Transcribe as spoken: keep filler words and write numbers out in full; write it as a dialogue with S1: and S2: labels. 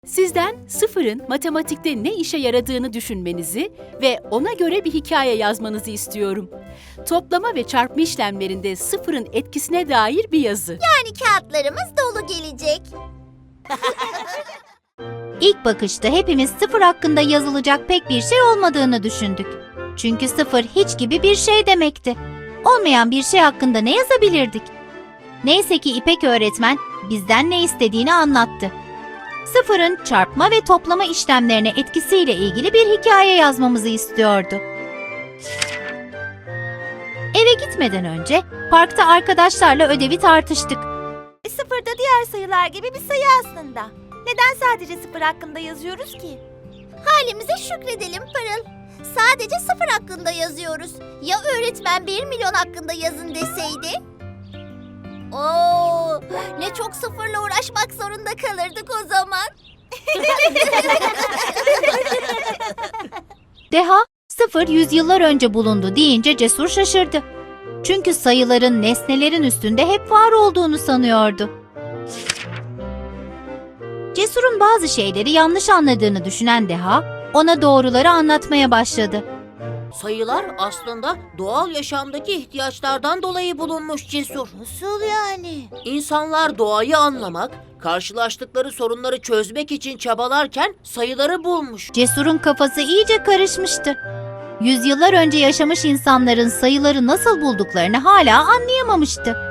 S1: Sizden sıfırın matematikte ne işe yaradığını düşünmenizi ve ona göre bir hikaye yazmanızı istiyorum. Toplama ve çarpma işlemlerinde sıfırın etkisine dair bir yazı.
S2: Yani kağıtlarımız dolu gelecek.
S3: İlk bakışta hepimiz sıfır hakkında yazılacak pek bir şey olmadığını düşündük. Çünkü sıfır hiç gibi bir şey demekti. Olmayan bir şey hakkında ne yazabilirdik? Neyse ki İpek öğretmen bizden ne istediğini anlattı. Sıfırın çarpma ve toplama işlemlerine etkisiyle ilgili bir hikaye yazmamızı istiyordu. Eve gitmeden önce parkta arkadaşlarla ödevi tartıştık.
S2: Sıfır da diğer sayılar gibi bir sayı aslında. Neden sadece sıfır hakkında yazıyoruz ki? Halimize şükredelim Pırıl. Sadece sıfır hakkında yazıyoruz. Ya öğretmen bir milyon hakkında yazın deseydi? Oo, ne çok sıfırla uğraşmak zorunda kalırdık o zaman.
S3: Deha, sıfır yüzyıllar önce bulundu deyince Cesur şaşırdı. Çünkü sayıların nesnelerin üstünde hep var olduğunu sanıyordu. Cesur'un bazı şeyleri yanlış anladığını düşünen Deha, ona doğruları anlatmaya başladı.
S4: Sayılar aslında doğal yaşamdaki ihtiyaçlardan dolayı bulunmuş Cesur.
S2: Nasıl yani?
S4: İnsanlar doğayı anlamak, karşılaştıkları sorunları çözmek için çabalarken sayıları bulmuş.
S3: Cesur'un kafası iyice karışmıştı. Yüzyıllar önce yaşamış insanların sayıları nasıl bulduklarını hala anlayamamıştı.